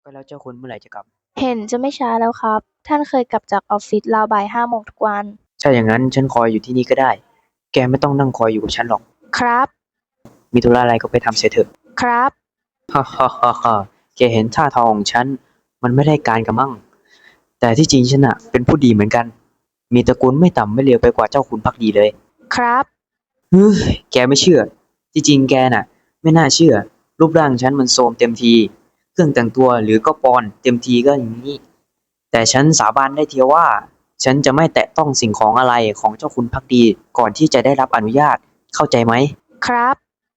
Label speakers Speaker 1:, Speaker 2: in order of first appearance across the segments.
Speaker 1: ก็แล้วเจ้าคุณเมื่อไหร่จะกลับ
Speaker 2: เห็นจะไม่ช้าแล้วครับ ท่านเคยกลับจากออฟฟิศราวบ่าย5 โมงทุกวัน
Speaker 1: ถ้าอย่างนั้นฉันคอยอยู่ที่นี่ก็ได้แกไม่ต้องนั่งคอยอยู่กับฉันหรอก
Speaker 2: ครับ
Speaker 1: มีธุระอะไรก็ไปทำเสียเถอะ
Speaker 2: ครับ
Speaker 1: ฮ่าฮ่าฮ่าฮ่าแกเห็นท่าทางของฉันมันไม่ได้การกันมั่งแต่ที่จริงฉันอะเป็นผู้ดีเหมือนกันมีตระกูลไม่ต่ำไม่เลวไปกว่าเจ้าคุณภักดีเลย
Speaker 2: ครับ
Speaker 1: เฮ้ยแกไม่เชื่อที่จริงแกน่ะไม่น่าเชื่อรูปร่างฉันมันโทรมเต็มทีเครื่องแต่งตัวหรือก็ปอนเต็มทีก็อย่างนี้แต่ฉันสาบานได้เทียวว่าฉันจะไม่แตะต้องสิ่งของอะไรของเจ้าคุณภักดีก่อนที่จะได้รับอนุญาตเข้าใจไหม
Speaker 2: ครับ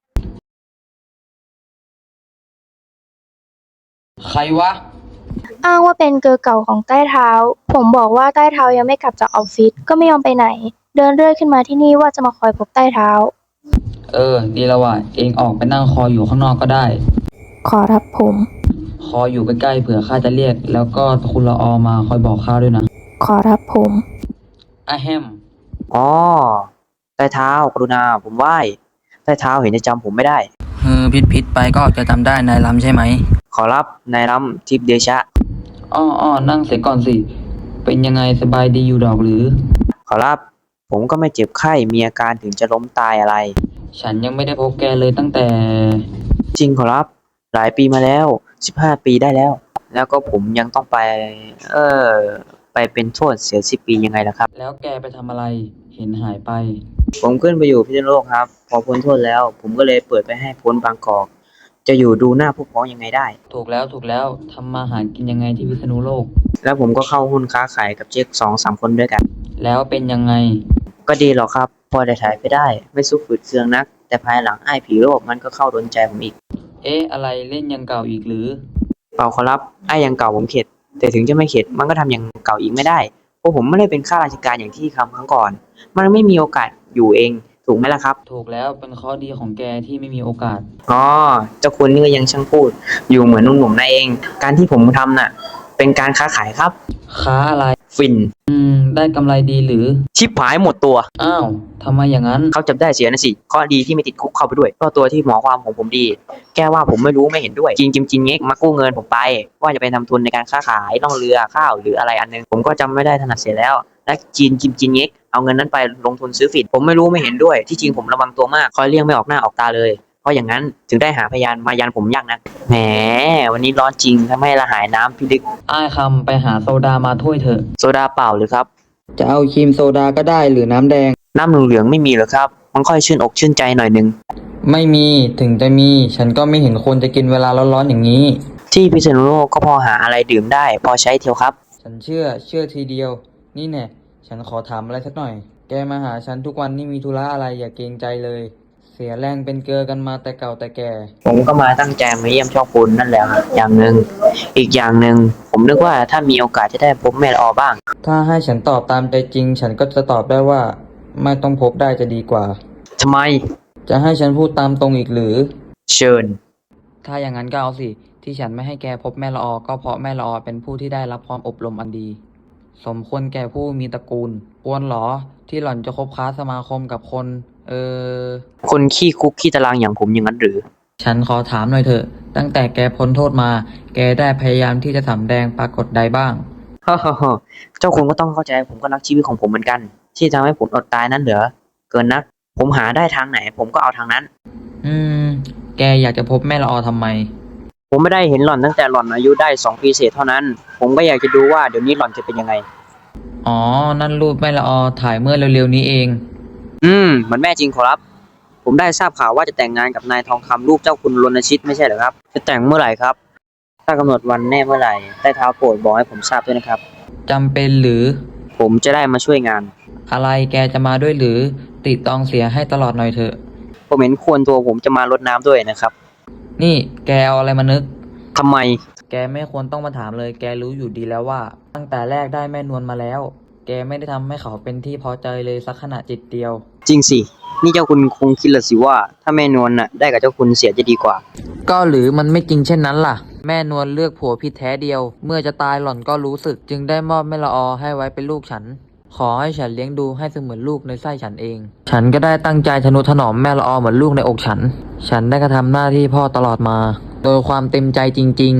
Speaker 3: ใครวะ
Speaker 2: อ้างว่าเป็นเกอร์เก่าของใต้เท้า ผมบอกว่าใต้เท้ายังไม่กลับจากออฟฟิศก็ไม่ยอมไปไหน เดินเรื่อยขึ้นมาที่นี่ว่าจะมาคอยพบใต้เท้า
Speaker 3: ดีแล้วว่ะเองออกไปนั่งคอยอยู่ข้างนอกก็ได้
Speaker 2: ขอรับผม
Speaker 3: คอยอยู่ใกล้ๆเผื่อข้าจะเรียก แล้วก็คุณละออมาคอยบอกข้าด้วยนะ
Speaker 2: ขอรับผม
Speaker 3: อะแฮม
Speaker 1: อ๋อใต้เท้ากรุณาผมไหว้ใต้เท้าเห็นจะจำผมไม่ได้
Speaker 3: พิษไปก็จะจำได้นายล้ำใช่ไหม
Speaker 1: ขอรับนายรำทิพย์เดชะ
Speaker 3: อ้อนั่งเสียก่อนสิ เป็นยังไงสบายดีอยู่ดอกหรือ
Speaker 1: ขอรับผมก็ไม่เจ็บไข้มีอาการถึงจะล้มตายอะไร
Speaker 3: ฉันยังไม่ได้พบแกเลยตั้งแต่
Speaker 1: จริงขอรับหลายปีมาแล้ว15 ปีได้แล้วแล้วก็ผมยังต้องไปเออไปเป็นโทษเสีย10 ปียังไงล่ะครับ
Speaker 3: แล้วแกไปทำอะไร เห็นหายไป
Speaker 1: ผมขึ้นไปอยู่พิษณุโลกครับพอพ้นโทษแล้วผมก็เลยเปิดไปให้พ้นบางกอกจะอยู่ดูหน้าพวกพ้องยังไงได้
Speaker 3: ถูกแล้วทำมาหากินยังไงที่พิษณุโลก
Speaker 1: แล้วผมก็เข้าหุ้นค้าขายกับเจ๊ก2-3 คนด้วยกัน
Speaker 3: แล้วเป็นยังไง
Speaker 1: ก็ดีหรอกครับพอได้ถ่ายไปได้ไม่สู้ฝืดเคืองนักแต่ภายหลังไอ้ผีโรคมันก็เข้าโดนใจผมอีก
Speaker 3: อะไรเล่นยังเก่าอีกหรือ
Speaker 1: เปล่าขอรับไอ้ยังเก่าผมเข็ดแต่ถึงจะไม่เข็ดมันก็ทำอย่างเก่าอีกไม่ได้เพราะผมไม่ได้เป็นข้าราชการอย่างที่ครั้งก่อนมันไม่มีโอกาสอยู่เองถูกไหมล่ะครับ
Speaker 3: ถูกแล้วเป็นข้อดีของแกที่ไม่มีโอกาส
Speaker 1: อ๋อเจ้าคุณนี่ก็ยังช่างพูดอยู่เหมือนหนุ่มๆนั่นเองการที่ผมทำน่ะเป็นการค้าขายครับ
Speaker 3: ค้าอะไร
Speaker 1: ฟิน
Speaker 3: ได้กำไรดีหรือ
Speaker 1: ชิบหายหมดตัว
Speaker 3: อ้าวทำไมอย่างนั้น
Speaker 1: เขาจับได้เสียนะสิข้อดีที่ไม่ติดคุกเข้าไปด้วยเพราะตัวที่หมอความของผมดีแก้ว่าผมไม่รู้ไม่เห็นด้วยจริงเง็กมากู้เงินผมไปว่าจะไปทำทุนในการค้าขายล่องเรือข้าวหรืออะไรอันนึงผมก็จำไม่ได้ถนัดเสียแล้วและจีนเง็กเอาเงินนั้นไปลงทุนซื้อฝิ่นผมไม่รู้ไม่เห็นด้วยที่จริงผมระวังตัวมากคอยเลี่ยงไม่ออกหน้าออกตาเลยเพราะอย่างนั้นถึงได้หาพยานมายันผมยากนะแหมวันนี้ร้อนจริงทำให้ละหายน้ำพิลึก
Speaker 3: อ้ายคำไปหาโซดามาถ้วยเถอะ
Speaker 1: โซดาเปล่าหรือครับ
Speaker 3: จะเอาครีมโซดาก็ได้หรือน้ำแดง
Speaker 1: น้ำเหลืองๆไม่มีเหรอครับมันค่อยชื่นอกชื่นใจหน่อยนึง
Speaker 3: ไม่มีถึงจะมีฉันก็ไม่เห็นคนจะกินเวลาร้อนๆอย่างนี้
Speaker 1: ที่พิษณุโลกก็พอหาอะไรดื่มได้พอใช้เทียวครับ
Speaker 3: ฉันเชื่อทีเดียวนี่แน่ฉันขอถามอะไรสักหน่อยแกมาหาฉันทุกวันนี่มีธุระอะไรอย่าเกรงใจเลยเสียแรงเป็นเกลือกันมาแต่เก่าแต่แก่
Speaker 1: ผมก็มาตั้งใจมาเยี่ยมช่องคุณนั่นแหละครับอย่างหนึ่งอีกอย่างหนึ่งผมนึกว่าถ้ามีโอกาสจะได้พบแม่ละออบ้าง
Speaker 3: ถ้าให้ฉันตอบตามใจจริงฉันก็จะตอบได้ว่าไม่ต้องพบได้จะดีกว่า
Speaker 1: ทำไม
Speaker 3: จะให้ฉันพูดตามตรงอีกหรือ
Speaker 1: เชิญ
Speaker 3: ถ้าอย่างนั้นก็เอาสิที่ฉันไม่ให้แกพบแม่ละออก็เพราะแม่ละออเป็นผู้ที่ได้รับความอบรมอันดีสมควรแก่ผู้มีตระกูลควรหรอที่หล่อนจะคบค้าสมาคมกับคน
Speaker 1: คนขี้คุกขี้ตารางอย่างผมอย่างนั้นหรือ
Speaker 3: ฉันขอถามหน่อยเถอะตั้งแต่แกพ้นโทษมาแกได้พยายามที่จะสำแดงปรากฏใดบ้าง
Speaker 1: ฮ่าฮ่าฮ่าเจ้าคุณก็ต้องเข้าใจผมก็รักชีวิตของผมเหมือนกันที่ทำให้ผมอดตายนั้นเหรอเกินนักผมหาได้ทางไหนผมก็เอาทางนั้น
Speaker 3: แกอยากจะพบแม่ละออทำไม
Speaker 1: ผมไม่ได้เห็นหล่อนตั้งแต่หล่อนอายุได้2 ปีเศษเท่านั้นผมก็อยากจะดูว่าเดี๋ยวนี้หล่อนจะเป็นยังไง
Speaker 3: อ๋อนั่นรูปแม่ละออถ่ายเมื่อเร็วๆนี้เอง
Speaker 1: เหมือนแม่จริงขอรับผมได้ทราบข่าวว่าจะแต่งงานกับนายทองคำลูกเจ้าคุณรณชิตไม่ใช่เหรอครับจะแต่งเมื่อไหร่ครับถ้ากำหนดวันแน่เมื่อไหร่ได้เท้าโปรดบอกให้ผมทราบด้วยนะครับ
Speaker 3: จำเป็นหรือ
Speaker 1: ผมจะได้มาช่วยงาน
Speaker 3: อะไรแกจะมาด้วยหรือติดตองเสียให้ตลอดหน่อยเถอะ
Speaker 1: ผมเห็นควรตัวผมจะมารดน้ำด้วยนะครับ
Speaker 3: นี่แกเอาอะไรมานึก
Speaker 1: ทำไม
Speaker 3: แกไม่ควรต้องมาถามเลยแกรู้อยู่ดีแล้วว่าตั้งแต่แรกได้แม่นวลมาแล้วแกไม่ได้ทำให้เขาเป็นที่พอใจเลยสักขณะจิตเดียว
Speaker 1: จริงสินี่เจ้าคุณคงคิดละสิว่าถ้าแม่นวลน่ะได้กับเจ้าคุณเสียจะดีกว่า
Speaker 3: ก็หรือมันไม่จริงเช่นนั้นล่ะแม่นวลเลือกผัวผิดแท้เดียวเมื่อจะตายหล่อนก็รู้สึกจึงได้มอบแม่ละออให้ไว้เป็นลูกฉันขอให้ฉันเลี้ยงดูให้เสมือนลูกในไส้ฉันเองฉันก็ได้ตั้งใจทนุถนอมแม่ละออเหมือนลูกในอกฉันได้กระทำหน้าที่พ่อตลอดมาโดยความเต็มใจจริงๆ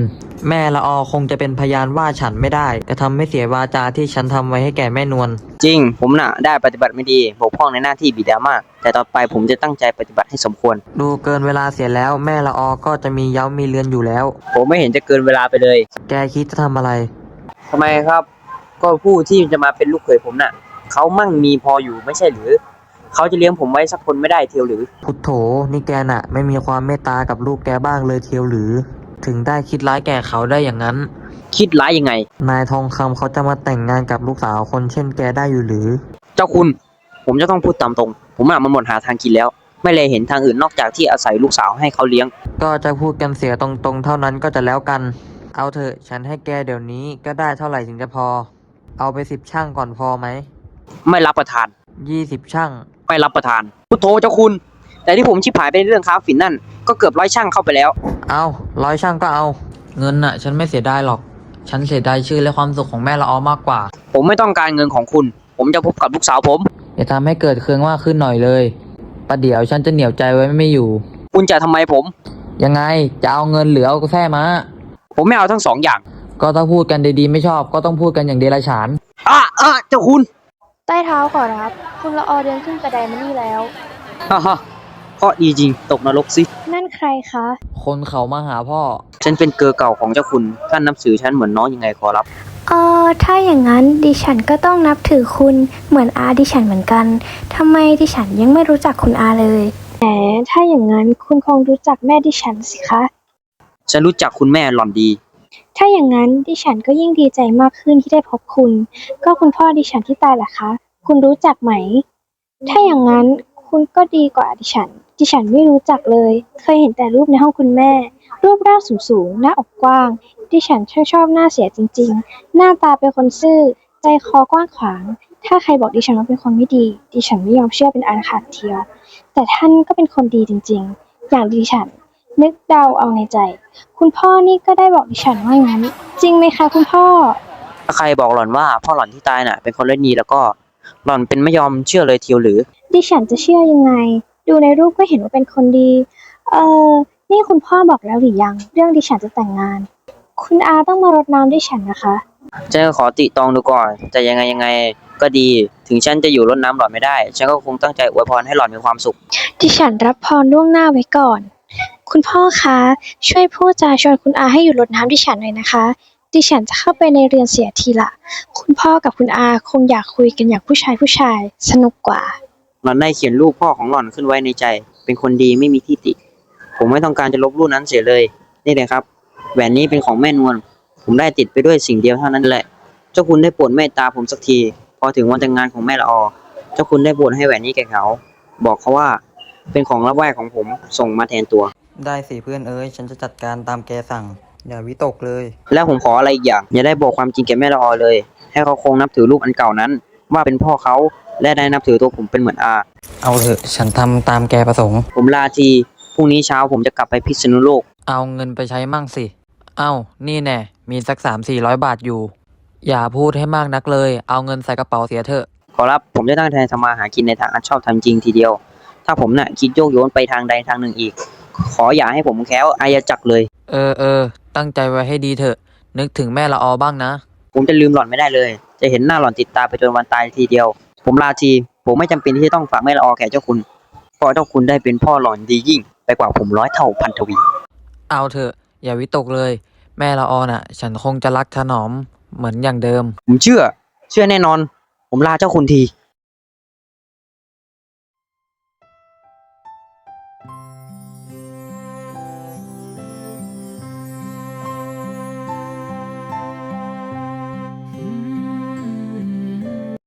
Speaker 3: แม่ละออคงจะเป็นพยานว่าฉันไม่ได้กระทำให้เสียวาจาที่ฉันทำไว้ให้แก่แม่นวล
Speaker 1: จริงผมน่ะได้ปฏิบัติไม่ดีบกพร่องในหน้าที่บิดามากแต่ต่อไปผมจะตั้งใจปฏิบัติให้สมควร
Speaker 3: ดูเกินเวลาเสียแล้วแม่ละออก็จะมีเย้ามีเรือนอยู่แล้ว
Speaker 1: ผมไม่เห็นจะเกินเวลาไปเลย
Speaker 3: แกคิดจะทำอะไร
Speaker 1: ทำไมครับ ก็ผู้ที่จะมาเป็นลูกเขยผมน่ะเขามั่งมีพออยู่ไม่ใช่หรือเขาจะเลี้ยงผมไว้สักคนไม่ได้เทียวหรือ
Speaker 3: พุทโธนี่แกน่ะ ไม่มีความเมตตากับลูกแกบ้างเลยเทียวหรือ ถึงได้คิดร้ายแก่เขาได้อย่างนั้น
Speaker 1: คิดร้ายยังไง
Speaker 3: นายทองคำเขาจะมาแต่งงานกับลูกสาวคนเช่นแกได้อยู่หรือ
Speaker 1: เจ้าคุณผมจะต้องพูดตามตรงผมน่ะมันหมดหาทางกินแล้ว ไม่เลยเห็นทางอื่นนอกจากที่อาศัยลูกสาวให้เขาเลี้ยง
Speaker 3: ก็จะพูดกันเสียตรงๆเท่านั้นก็จะแล้วกัน เอาเถอะฉันให้แกเดี๋ยวนี้ก็ได้เท่าไหร่ถึงจะพอ เอาไป10 ช่างก่อนพอไหม
Speaker 1: ไม่รับประทาน
Speaker 3: 20 ช่าง
Speaker 1: ไม่รับประทานพุทโธเจ้าคุณ แต่ที่ผมชิบหายไปในเรื่องค้าฝิ่นนั่นก็เกือบ100 ช่างเข้าไปแล้ว
Speaker 3: เอา100 ช่างก็เอา เงินน่ะ ฉันไม่เสียดายหรอก ฉันเสียดายชื่อและความสุขของแม่ละออมากกว่า
Speaker 1: ผมไม่ต้องการเงินของคุณ ผมจะพบกับลูกสาวผม
Speaker 3: อย่าทำให้เกิดเครื่องมากขึ้นหน่อยเลยประเดี๋ยวฉันจะเหนียวใจไว้ไม่อยู่
Speaker 1: คุณจะทำไมผม
Speaker 3: ยังไงจะเอาเงินหรือเอาแท้มา
Speaker 1: ผมไม่เอาทั้ง2 อย่าง
Speaker 3: ก็ถ้าพูดกันดีๆไม่ชอบ ก็ต้องพูดกันอย่างเดรัจฉาน
Speaker 1: เจ้าคุณ
Speaker 2: ใต้เท้าขอรับ คุณละออเดินขึ้นกระไดมานี่แล้ว
Speaker 1: ฮ่าฮ่าเพราะดีจริงตกนรกสิ
Speaker 2: นั่นใครคะ
Speaker 3: คนเขามาหาพ่อ
Speaker 1: ฉันเป็นเกอเก่าของเจ้าคุณท่านนับถือฉันเหมือนน้องยังไงขอรับ
Speaker 4: ถ้าอย่างนั้นดิฉันก็ต้องนับถือคุณเหมือนอาดิฉันเหมือนกันทำไมดิฉันยังไม่รู้จักคุณอาเลย
Speaker 2: ถ้าอย่างนั้นคุณคงรู้จักแม่ดิฉันสิคะ
Speaker 1: ฉันรู้จักคุณแม่หล่อนดี
Speaker 2: ถ้าอย่างนั้นดิฉันก็ยิ่งดีใจมากขึ้นที่ได้พบคุณ ก็คุณพ่อดิฉันที่ตายล่ะคะ คุณรู้จักไหม ถ้าอย่างนั้นคุณก็ดีกว่าดิฉันไม่รู้จักเลย เคยเห็นแต่รูปในห้องคุณแม่ รูปร่างสูงๆหน้าอกกว้าง ดิฉันช่างชอบหน้าเสียจริงๆ หน้าตาเป็นคนซื่อ ใจคอกว้างขวาง ถ้าใครบอกดิฉันว่าเป็นคนไม่ดี ดิฉันไม่ยอมเชื่อเป็นอันขาดเทียว แต่ท่านก็เป็นคนดีจริงๆ อย่างดิฉันนึกเดาเอาในใจ คุณพ่อนี่ก็ได้บอกดิฉันว่างั้น จริงไหมคะคุณพ่อ
Speaker 1: ถ้าใครบอกหล่อนว่าพ่อหล่อนที่ตายน่ะเป็นคนเล่นดีแล้วก็หล่อนเป็นไม่ยอมเชื่อเลยเทียวหรือ
Speaker 2: ดิฉันจะเชื่อยังไง ดูในรูปก็เห็นว่าเป็นคนดี นี่คุณพ่อบอกแล้วหรือยัง เรื่องดิฉันจะแต่งงาน คุณอาต้องมารดน้ำดิฉันนะคะ
Speaker 1: ฉันก็ขอติตรองดูก่อนแต่ยังไงก็ดี ถึงฉันจะอยู่รดน้ำหล่อนไม่ได้ ฉันก็คงตั้งใจอวยพรให้หล่อนมีความสุข
Speaker 2: ดิฉันรับพรล่วงหน้าไว้ก่อน คุณพ่อคะช่วยพูดจาชวนคุณอาให้อยู่รดน้ำดิฉันหน่อยนะคะ ดิฉันจะเข้าไปในเรือนเสียทีละคุณพ่อกับคุณอาคงอยากคุยกันอย่างผู้ชายสนุกกว่า
Speaker 1: หล่อนได้เขียนรูปพ่อของหล่อนขึ้นไว้ในใจ เป็นคนดีไม่มีที่ติ ผมไม่ต้องการจะลบรูปนั้นเสียเลย นี่เลยครับ แหวนนี้เป็นของแม่นวล ผมได้ติดไปด้วยสิ่งเดียวเท่านั้นแหละ เจ้าคุณได้โปรดเมตตาผมสักที พอถึงวันแต่งงานของแม่ละออ เจ้าคุณได้โปรดให้แหวนนี้แก่เขา บอกเขาว่า เป็นของรับไหว้ของผมส่งมาแทนตัว
Speaker 3: ได้สิเพื่อนเอ้ยฉันจะจัดการตามแกสั่ง อย่าวิตกเลย
Speaker 1: แล้วผมขออะไรอีกอย่าง อย่าได้บอกความจริงแก่แม่ละออเลย ให้เขาคงนับถือรูปอันเก่านั้น ว่าเป็นพ่อเขาและได้นับถือตัวผมเป็นเหมือนอา
Speaker 3: เอาเถอะฉันทำตามแกประสงค์
Speaker 1: ผมลาทีพรุ่งนี้เช้าผมจะกลับไปพิษณุโลก
Speaker 3: เอาเงินไปใช้มั่งสิ เอ้า นี่แน่ มีสัก300-400 บาทอยู่ อย่าพูดให้มากนักเลย เอาเงินใส่กระเป๋าเสียเถอะ
Speaker 1: ขอรับผมจะตั้งใจทำมาหากินในทางอันชอบทำจริงทีเดียว ถ้าผมน่ะคิดโยกโยนไปทางใดทางหนึ่งอีก ขออย่าให้ผมแคล้วอายจักรเลย
Speaker 3: เออ ตั้งใจไว้ให้ดีเถอะ นึกถึงแม่ละออบ้างนะ
Speaker 1: ผมจะลืมหล่อนไม่ได้เลย จะเห็นหน้าหล่อนติดตาไปจนวันตายทีเดียว ผมลาทีผมไม่จำเป็นที่จะต้องฝากแม่ละออแก่เจ้าคุณเพราะเจ้าคุณได้เป็นพ่อหล่อนดียิ่งไปกว่าผม100 เท่าพันทวี
Speaker 3: เอาเถอะ อย่าวิตกเลย แม่ละออน่ะ ฉันคงจะรักถนอมเหมือนอย่างเดิม
Speaker 1: ผมเชื่อแน่นอน ผมลาเจ้าคุณที